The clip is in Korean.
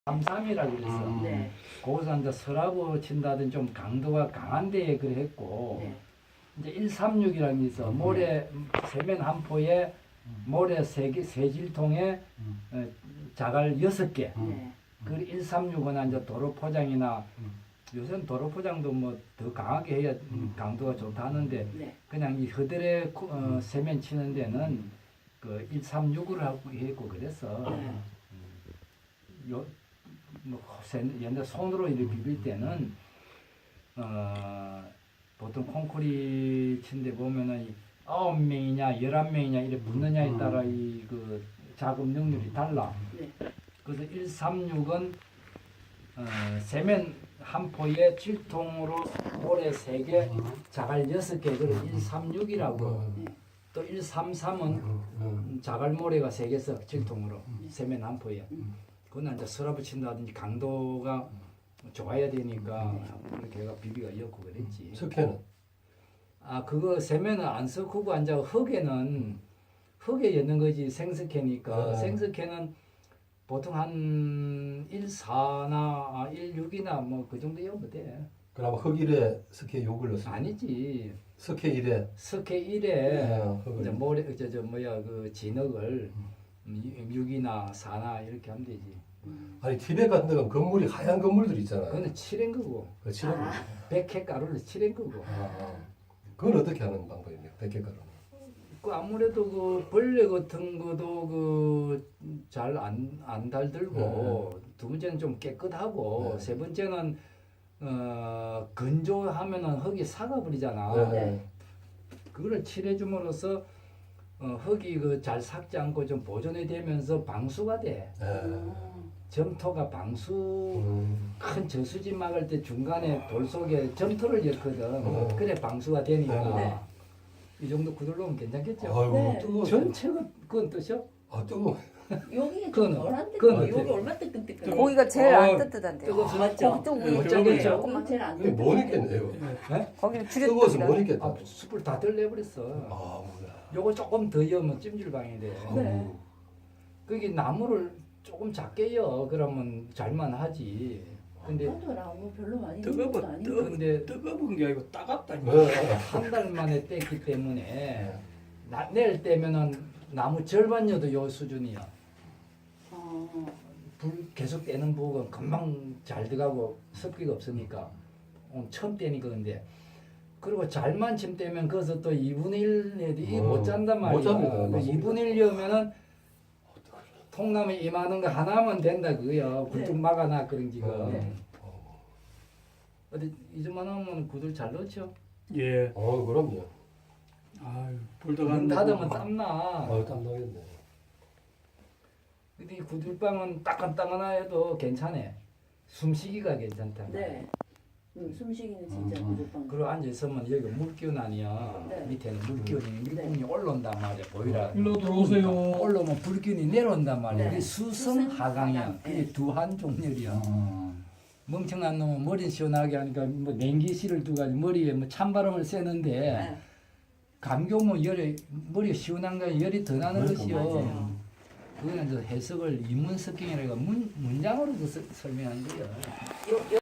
33이라고 그랬어. 네. 거기서 이제 서라고 친다든 좀 강도가 강한 데에 그래 했고, 네. 이제 136이라는 게 있어. 모래, 세면 한 포에 모래 세 질통에 자갈 6개. 네. 그 136은 이제 도로 포장이나 요새는 도로 포장도 뭐 더 강하게 해야 강도가 좋다 하는데 네. 그냥 이 허들에 세면 치는 데는 그 136으로 하고 했고 그랬어. 네. 요, 뭐 옛날 손으로 이렇게 비빌 때는 보통 콘크리트 친데 보면은 9명이냐 11명이냐 이렇게 붙느냐에 따라 이 그 작업 능률이 달라. 네. 그래서 136은 세면 한 포에 7통으로 모래 3개, 자갈 6개, 그걸 136이라고. 또 133은 자갈 모래가 3개 써 7통으로 세면 한 포에. 그건 이제 서랍을 친다든지 강도가 좋아야 되니까 걔가 비비가 엮고 그랬지. 석회는? 아 그거 세면은 안 섞고 이제 흙에 엮는 거지. 생석회니까. 생석회는 보통 한 14나 16이나 뭐 그 정도 엮으면 돼. 그럼 흙일에 석회 욕을 넣었어? 아니지. 석회 1에? 석회 1에 흙을. 이제 모래 저 뭐야 그 진흙을 6이나 4나 이렇게 하면 되지. 아니 티베트 같은 데는 건물이 하얀 건물들 있잖아요. 그거는 칠한 거고. 그 칠한 거. 백해 가루를 칠한 거고. 그건 어떻게 하는 방법입니까? 백혈가루는? 그 아무래도 그 벌레 같은 것도 그 잘 안 달들고 두 번째는 좀 깨끗하고 세 번째는 건조하면은 흙이 삭아버리잖아. 네. 그거를 칠해줌으로써 흙이 그 잘 삭지 않고 좀 보존이 되면서 방수가 돼. 점토가 방수 큰 저수지 막을 때 중간에 돌 속에 점토를 엮거든. 그래 방수가 되니까 네. 이 정도 구들로면 괜찮겠죠. 아이고 네. 뜨거워. 전체가 그건 뜻이요? 아 뜨거워. 여기 그거는- 좀 덜한데 그거는 여기 어때? 얼마 뜨끈뜨끈. 고기가 제일 안 뜨뜻한데요. 뜨거워서 맞죠? 고기 좀 네, 위에 저기 쪽에 저- 조금만 제일 안 이게 뜨끈. 못 익겠네요. 거기는 뜨거워서 못 줄여드리라. 익겠다. 아, 숯불 다 덜내버렸어. 아 뭐야. 요거 조금 더 여면 찜질방이 돼. 네. 그게 나무를 조금 작게 여 그러면 잘만 하지. 근데 저도 나무 별로 많이 넣은 것도 아니고. 근데 뜨거운 게 아니고 따갑다니까. 한 달 만에 뗐기 때문에 내일 떼면은 나무 절반 여도 요 수준이야. 불 계속 떼는 부분 금방 잘 들어가고 습기가 없으니까 처음 떼니까 근데 그리고 잘만 침 떼면 거기서 또 2분의 1 내도 못 잔단 말이야. 못 잡니다. 그 2분의 1 여면은 통나무 이만한 거 하나만 된다 그거야. 굴뚝 막아놔 그런 지금. 네. 어디 이것만 하면 구들 잘 넣죠. 예. 그럼요. 아유, 불도 문 안 닫으면 땀나. 땀 나겠네. 근데 이 구들방은 따끈따끈해도 괜찮아. 숨쉬기가 괜찮다. 네. 숨쉬기는 진짜 무조건. 그리고 앉아있으면 여기 물기운 아니야. 네. 밑에는 물기운이 밀봉이 올라온단 말이야. 보이라. 일로 들어오세요. 올라오면 불기운이 내려온단 말이야. 네. 그게 수성하강이야. 수성하강. 그게 네. 두한종렬이야. 멍청한 놈은 머리 시원하게 하니까 뭐 냉기실을 두가지고 머리에 뭐 찬바람을 쐬는데 네. 감기 오면 열이 머리가 시원한 거 열이 더 나는 것이요. 맞아요. 그거는 이제 해석을 이문석경이라고 문장으로 설명한 거야. 요